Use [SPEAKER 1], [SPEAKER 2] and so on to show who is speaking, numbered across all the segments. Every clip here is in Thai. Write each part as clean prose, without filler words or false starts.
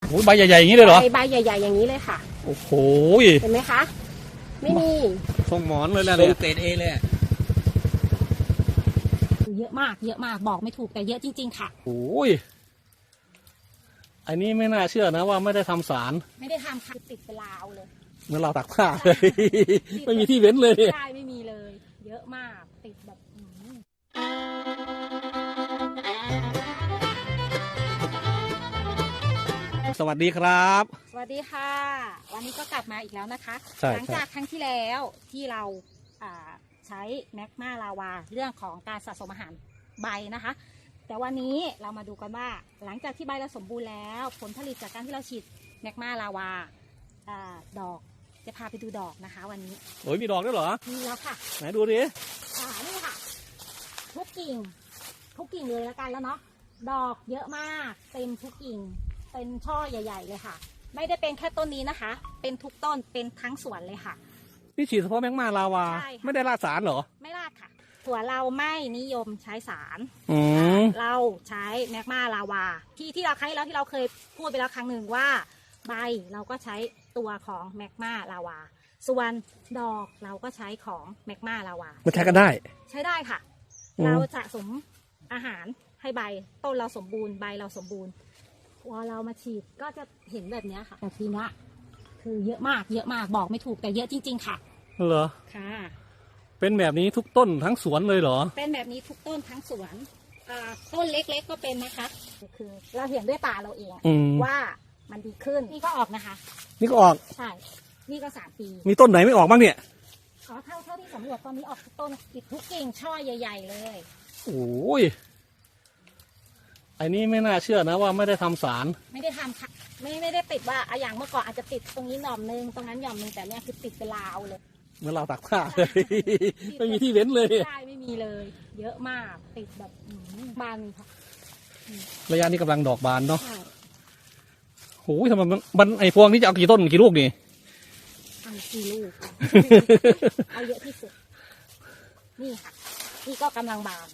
[SPEAKER 1] โอ้ใบใหญ่ๆอย่างนี้เลยเหรอ
[SPEAKER 2] ใบใหญ่ๆอย่างนี้เลยค่ะ
[SPEAKER 1] โอ้โห
[SPEAKER 2] เห็นไหมคะไม่มี
[SPEAKER 1] ทรงหมอนเลยแหละ
[SPEAKER 3] เนี่ยเกรดเอเลย
[SPEAKER 2] เยอะมากเยอะมากบอกไม่ถูกแต่เยอะจริงๆค่ะ
[SPEAKER 1] โอ้ยอันนี้ไม่น่าเชื่อนะว่าไม่ได้ทำสาร
[SPEAKER 2] ไม่ได้ทำค่ะติดเป็นลาวเลย
[SPEAKER 1] เหมือนเราตักผ้าเลยไม่มีที่เว้นเลย
[SPEAKER 2] ใช่ไม่มีเลยเยอะมากติดแบบ
[SPEAKER 1] สวัสดีครับ
[SPEAKER 2] สวัสดีค่ะวันนี้ก็กลับมาอีกแล้วนะคะหลังจากครั้งที่แล้วที่เราใช้แมกมาลาวาเรื่องของการสะสมอาหารใบนะคะแต่วันนี้เรามาดูกันว่าหลังจากที่ใบเราสมบูรณ์แล้วผลผลิตจากการที่เราฉีดแมกมาลาวาดอกจะพาไปดูดอกนะคะวันนี้
[SPEAKER 1] โอ้ยมีดอกด้วยเหรอ
[SPEAKER 2] มีแล้วค่ะ
[SPEAKER 1] ไหนดูดิ
[SPEAKER 2] นี่ค่ะทุกกิ่งเลยแล้วกันแล้วเนาะดอกเยอะมากเต็มทุกกิ่งเป็นช่อใหญ่ๆเลยค่ะไม่ได้เป็นแค่ต้นนี้นะคะเป็นทุกต้นเป็นทั้งสวนเลยค่ะ
[SPEAKER 1] นี่ฉีดเฉพาะแมกมาลาวาไม่ได้ราดสารเหรอ
[SPEAKER 2] ไม่ราดค่ะสวนเราไม่นิยมใช้สารเราใช้แมกมาลาวาที่เราใช้แล้วที่เราเคยพูดไปแล้วครั้งหนึ่งว่าใบเราก็ใช้ตัวของแมกมาลาวาส่วนดอกเราก็ใช้ของแมกมาลาวา
[SPEAKER 1] มันใช้กันได้
[SPEAKER 2] ใช้ได้ค่ะเราสะสมอาหารให้ใบต้นเราสมบูรณ์ใบเราสมบูรณ์พอเรามาฉีดก็จะเห็นแบบนี้ค่ะแต่ทีนี้คือเยอะมากบอกไม่ถูกแต่เยอะจริงๆค่ะ
[SPEAKER 1] เหรอ
[SPEAKER 2] ค่ะ
[SPEAKER 1] เป็นแบบนี้ทุกต้นทั้งสวนเลยเหรอ
[SPEAKER 2] เป็นแบบนี้ทุกต้นทั้งสวนต้นเล็กๆก็เป็นนะคะคือเราเห็นด้วยตาเราเองว่ามันดีขึ้นนี่ก็ออกนะคะ
[SPEAKER 1] นี่ก็ออก
[SPEAKER 2] ใช่นี่ก็3 ปี
[SPEAKER 1] มีต้นไหนไม่ออกบ้างเนี่ย
[SPEAKER 2] เท่าที่สำรวจตอนนี้ออกทุกต้นติดทุกกิ่งช่อใหญ่ๆเลย
[SPEAKER 1] โอ้ยอันนี้ไม่น่าเชื่อนะว่าไม่ได้ทำสาร
[SPEAKER 2] ไม่ได้ทำค่ะไม่ได้ติดว่าอย่างเมื่อก่อนอาจจะติดตรงนี้หน่อมนึงตรงนั้นหน่อมนึงแต่เนี่ยคือติดเป็นลาวเลย
[SPEAKER 1] เหมือนเราตักผ้าเลยไม่มีที่เว้นเลย
[SPEAKER 2] ใช่ไม่มีเลยเยอะมากติดแบบบานค่ะ
[SPEAKER 1] ระยะนี้กำลังดอกบานเนาะโอ้ยทำไมมันไอพวงนี้จะเอากี่ต้นกี่ลูกนี่
[SPEAKER 2] เอากี่ลูกเอาเยอะที่สุดนี่ค่ะนี่ก็กำลังบาน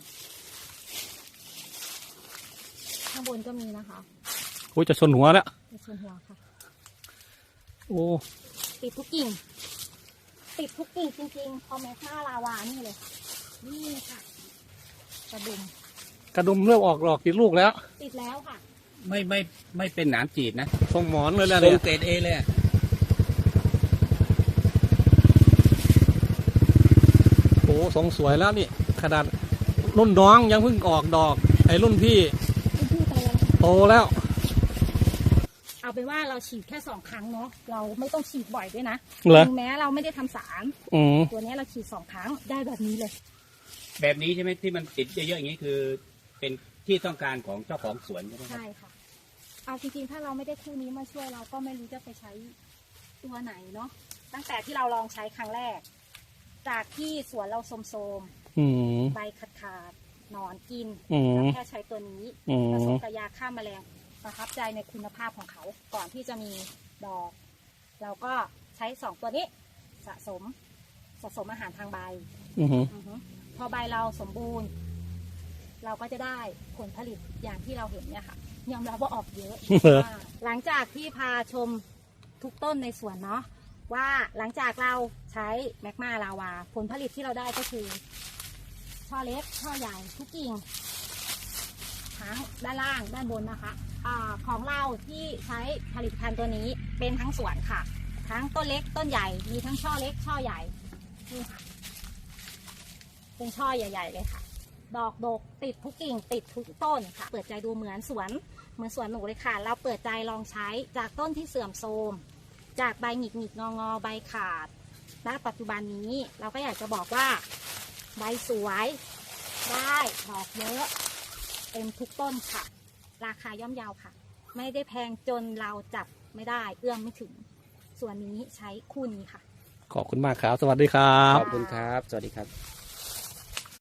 [SPEAKER 2] ข้างบนก็มีนะคะ
[SPEAKER 1] โอ้ยจะชนหัวแล้ว
[SPEAKER 2] จะชนหัวค่ะ
[SPEAKER 1] โอ้
[SPEAKER 2] ติดทุกกิ่งจริงๆพอแมกมาลาวานี่เลยนี่ค่ะกระดุม
[SPEAKER 1] เริ่มออกดอกกี่ลูกแล้ว
[SPEAKER 2] ติดแล้วค่ะ
[SPEAKER 3] ไม่เป็นหนามจีดนะ
[SPEAKER 1] ทรงหมอนเลยแหละ
[SPEAKER 3] เนี่ยเกรดเอเลย
[SPEAKER 1] โอ้ทรงสวยแล้วนี่ขนาดรุ่นน้องยังเพิ่งออกดอกไอ้รุ่นพี่โตแล้ว
[SPEAKER 2] เอาเป็นว่าเราฉีดแค่2 ครั้งเนาะเราไม่ต้องฉีดบ่อยด้วยนะถึงแม้เราไม่ได้ทำสารตัวนี้เราฉีด2 ครั้งได้แบบนี้เลย
[SPEAKER 3] แบบนี้ใช่ไหมที่มันติดเยอะๆอย่างนี้คือเป็นที่ต้องการของเจ้าของสวนใช่ไหม
[SPEAKER 2] ใช่ค่ะเอาจริงๆถ้าเราไม่ได้คู่นี้มาช่วยเราก็ไม่รู้จะไปใช้ตัวไหนเนาะตั้งแต่ที่เราลองใช้ครั้งแรกจากที่สวนเราโทรมใบขาดนอนกินแล้วแค่ใช้ตัวนี้ผสมกับยาฆ่าแมลงประทับใจในคุณภาพของเขาก่อนที่จะมีดอกเราก็ใช้2 ตัวนี้สะสมอาหารทางใบพอใบเราสมบูรณ์เราก็จะได้ผลผลิตอย่างที่เราเห็นเนี่ยค่ะยอมรับว่าออกเยอะ หลังจากที่พาชมทุกต้นในสวนเนาะว่าหลังจากเราใช้แมกมาลาวาผลผลิตที่เราได้ก็คือช่อเล็กช่อใหญ่ทุกกิ่งทั้งด้านล่างด้านบนนะคะของเราที่ใช้ผลิตภัณฑ์ตัวนี้เป็นทั้งสวนค่ะทั้งต้นเล็กต้นใหญ่มีทั้งช่อเล็กช่อใหญ่นี่ค่ะเป็นช่อใหญ่ๆเลยค่ะดอกดกติดทุกกิ่งติดทุกต้นค่ะเปิดใจดูเหมือนสวนหนูเลยค่ะเราเปิดใจลองใช้จากต้นที่เสื่อมโทรมจากใบหงิกงอใบขาดณปัจจุบันนี้เราก็อยากจะบอกว่าใบสวยได้ดอกเยอะเต็มทุกต้นค่ะราคาย่อมเยาค่ะไม่ได้แพงจนเราจับไม่ได้เอื้อมไม่ถึงส่วนนี้ใช้คู่นี้ค่ะ
[SPEAKER 1] ขอบคุณมากครับสวัสดีครับ
[SPEAKER 3] ขอบคุณครับสวัสดีครับ